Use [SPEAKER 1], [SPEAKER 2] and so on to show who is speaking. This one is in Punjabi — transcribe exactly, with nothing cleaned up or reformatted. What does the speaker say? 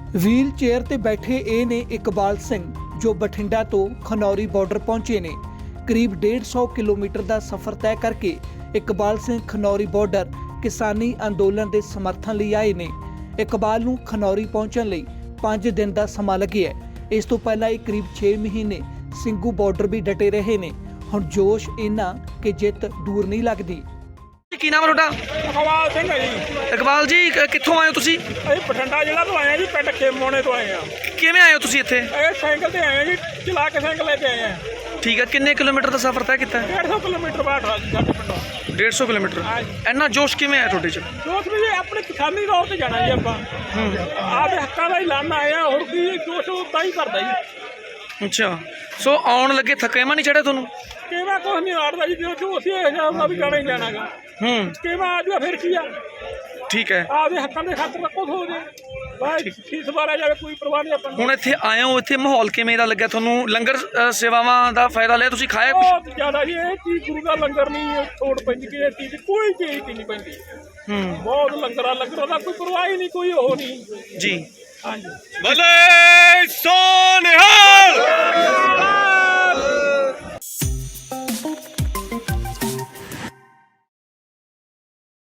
[SPEAKER 1] ਵੀਲ ਚੇਅਰ ਤੇ ਬੈਠੇ ਇਹ ਨੇ ਇਕਬਾਲ ਸਿੰਘ ਜੋ ਬਠਿੰਡਾ ਤੋਂ ਖਨੌਰੀ ਬਾਰਡਰ ਪਹੁੰਚੇ ਨੇ। ਕਰੀਬ डेढ़ सौ ਕਿਲੋਮੀਟਰ ਦਾ ਸਫ਼ਰ ਤੈਅ ਕਰਕੇ ਇਕਬਾਲ ਸਿੰਘ ਖਨੌਰੀ ਬਾਰਡਰ ਕਿਸਾਨੀ ਅੰਦੋਲਨ ਦੇ ਸਮਰਥਨ ਲਈ ਆਏ ਨੇ। ਇਕਬਾਲ ਨੂੰ ਖਨੌਰੀ ਪਹੁੰਚਣ ਲਈ पाँच दिन का समा लगे है। इस तो पहला ही करीब छे महीने ਸਿੰਘੂ ਬਾਰਡਰ भी डटे रहे ने। हुण जोश इन्ना कि जित दूर नहीं लगती।
[SPEAKER 2] ਕੀ ਨਾਮ ਹੈ ਤੁਹਾਡਾ?
[SPEAKER 3] ਇਕਬਾਲ ਸਿੰਘ ਹੈ ਜੀ।
[SPEAKER 2] ਇਕਬਾਲ ਜੀ ਕ- ਕਿੱਥੋਂ ਆਏ ਹੋ ਤੁਸੀਂ?
[SPEAKER 3] ਅਸੀਂ ਬਠਿੰਡਾ ਜ਼ਿਲ੍ਹਾ ਤੋਂ ਆਏ ਆ ਜੀ, ਪਿੰਡ ਖੇਮੋਣੇ ਤੋਂ ਆਏ ਆ।
[SPEAKER 2] ਕਿਵੇਂ ਆਏ ਹੋ ਤੁਸੀਂ ਇੱਥੇ?
[SPEAKER 3] ਇਹ ਸਾਈਕਲ ਤੇ ਆਏ ਆ ਜੀ, ਚਲਾ ਕੇ ਸਾਈਕਲ ਲੈ ਕੇ ਆਏ ਆ।
[SPEAKER 2] ਠੀਕ ਹੈ, ਕਿੰਨੇ ਕਿਲੋਮੀਟਰ ਦਾ ਸਫ਼ਰ ਤੈਅ ਕੀਤਾ?
[SPEAKER 3] डेढ़ सौ ਕਿਲੋਮੀਟਰ ਬਾਅਦ ਸਾਡੇ ਪਿੰਡੋਂ।
[SPEAKER 2] डेढ़ सौ ਕਿਲੋਮੀਟਰ।
[SPEAKER 3] ਹਾਂਜੀ।
[SPEAKER 2] ਇੰਨਾ ਜੋਸ਼ ਕਿਵੇਂ ਆਇਆ ਤੁਹਾਡੇ 'ਚ?
[SPEAKER 3] ਜੋਸ਼ ਵੀ ਜੀ ਆਪਣੇ ਕਿਸਾਨੀ ਤੌਰ ਤੇ ਜਾਣਾ ਜੀ ਆਪਾਂ। ਆਪਦੇ ਹੱਕਾਂ ਦਾ ਹੀ ਲੜਨ ਆਏ ਆ, ਹੋਰ ਕੀ ਜੋਸ਼ ਉਦਾਂ ਹੀ ਕਰਦਾ ਜੀ।
[SPEAKER 2] ਅੱਛਾ, ਸੋ ਆਉਣ ਲੱਗੇ ਥਕੇਵਾਂ ਨਹੀਂ ਚੜਿਆ ਤੁਹਾਨੂੰ?
[SPEAKER 3] ਕਿਵੇਂ ਕੁਛ ਨਹੀਂ ਆੜਦਾ ਜੀ, ਜੋ ਜੋ ਅਸੀਂ ਇਹ ਜਾਣਾ ਵੀ ਜਾਣਾ ਹੀ ਜਾਣਾਗਾ।
[SPEAKER 2] ਹੂੰ,
[SPEAKER 3] ਕਿਵੇਂ ਆ ਜੂਆ ਫਿਰ ਕੀ ਆ,
[SPEAKER 2] ਠੀਕ ਹੈ।
[SPEAKER 3] ਆਪਦੇ ਹੱਕਾਂ ਦੇ ਖਾਤਰ ਤਾਂ ਕੁਛ ਹੋ ਜੇ ਬਾਈ ਫੀਸ ਬਾਰਾ ਜਾਵੇ, ਕੋਈ ਪਰਵਾਹ ਨਹੀਂ ਆਪਾਂ ਨੂੰ।
[SPEAKER 2] ਹੁਣ ਇੱਥੇ ਆਏ ਹੋ, ਇੱਥੇ ਮਾਹੌਲ ਕਿਵੇਂ ਦਾ ਲੱਗਿਆ ਤੁਹਾਨੂੰ? ਲੰਗਰ ਅ, ਸੇਵਾਵਾਂ ਦਾ ਫਾਇਦਾ ਲਿਆ ਤੁਸੀਂ? ਖਾਇਆ ਕੁਛ?
[SPEAKER 3] ਬਹੁਤ ਜ਼ਿਆਦਾ ਜੀ, ਇਹ ਚੀਜ਼ ਗੁਰੂ ਦਾ ਲੰਗਰ ਨਹੀਂ ਛੋੜ ਪੈਂਦੀ ਕਿ ਇਹ ਚੀਜ਼ ਕੋਈ ਚੀਜ਼ ਦੀ ਨਹੀਂ ਪੈਂਦੀ।
[SPEAKER 2] ਹੂੰ
[SPEAKER 3] ਬਹੁਤ ਲੰਗਰਾਂ ਲੰਗਰਾਂ ਦਾ ਕੋਈ ਪਰਵਾਹ ਹੀ ਨਹੀਂ, ਕੋਈ ਉਹ ਨਹੀਂ
[SPEAKER 2] ਜੀ।
[SPEAKER 3] ਹਾਂਜੀ।
[SPEAKER 4] ਭਲੇ ਸੋ ਨਿਹਾਲ।